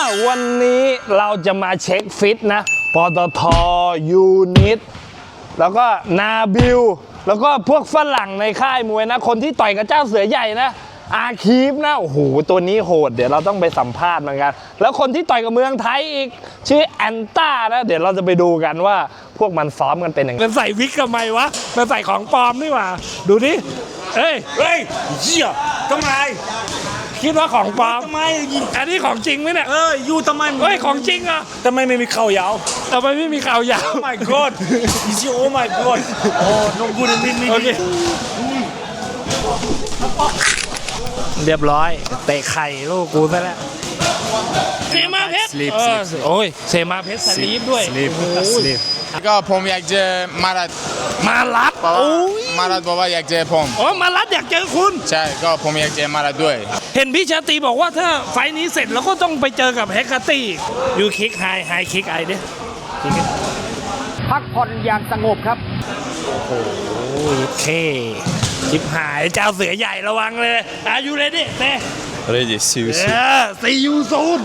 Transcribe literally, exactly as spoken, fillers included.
วันนี้เราจะมาเช็คฟิตนะปตทยูนิตแล้วก็นาบิลแล้วก็พวกฝรั่งในค่ายมวยนะคนที่ต่อยกับเจ้าเสือใหญ่นะอาคีฟนะโอ้โหตัวนี้โหดเดี๋ยวเราต้องไปสัมภาษณ์เหมือนกันแล้วคนที่ต่อยกับเมืองไทยอีกชื่อแอนต้านะเดี๋ยวเราจะไปดูกันว่าพวกมันซ้อมกันเป็นยังไงมันใส่วิกทำไมวะมันใส่ของปลอมนี่หว่าดูดิเอ้ยเฮ้ยเหี้ยทำไมคิดว่าของปลอมทำไมอันนี้ของจริงไหมเนี่ยเออยูทำไมเฮ้ยของจริงอ่ะทำไมไม่มีเข่ายาวทำไมไม่มีข่าวยาว Oh my god is you oh my god oh no good ไม่ไม่โอเคเรียบร้อยเตะไข่ลูกกูซะแล้วเซมาเพชร Sleep เออโอ้ยเซมาเพชรสลีปด้วย Sleep โอ้โห Sleep ก็ผมอยากเจอมารัดมารัดเพราะว่าโอ้ยมารัดบอกว่าอยากเจอผมอ๋อมารัดอยากเจอคุณใช่ก็ผมอยากเจอมารัดด้วยเห็นพี่ชาตรีบอกว่าถ้าไฟล์นี้เสร็จแล้วก็ต้องไปเจอกับแฮกเกอร์ตี้ยูคิกไฮไฮคิกไอเด้พักผ่อนอย่างสงบครับโอ้ยเคชิบหายเจ้าเสือใหญ่ระวังเลยอายุเลยดิเต้ Ready, see you เอ soon. อซียูซูน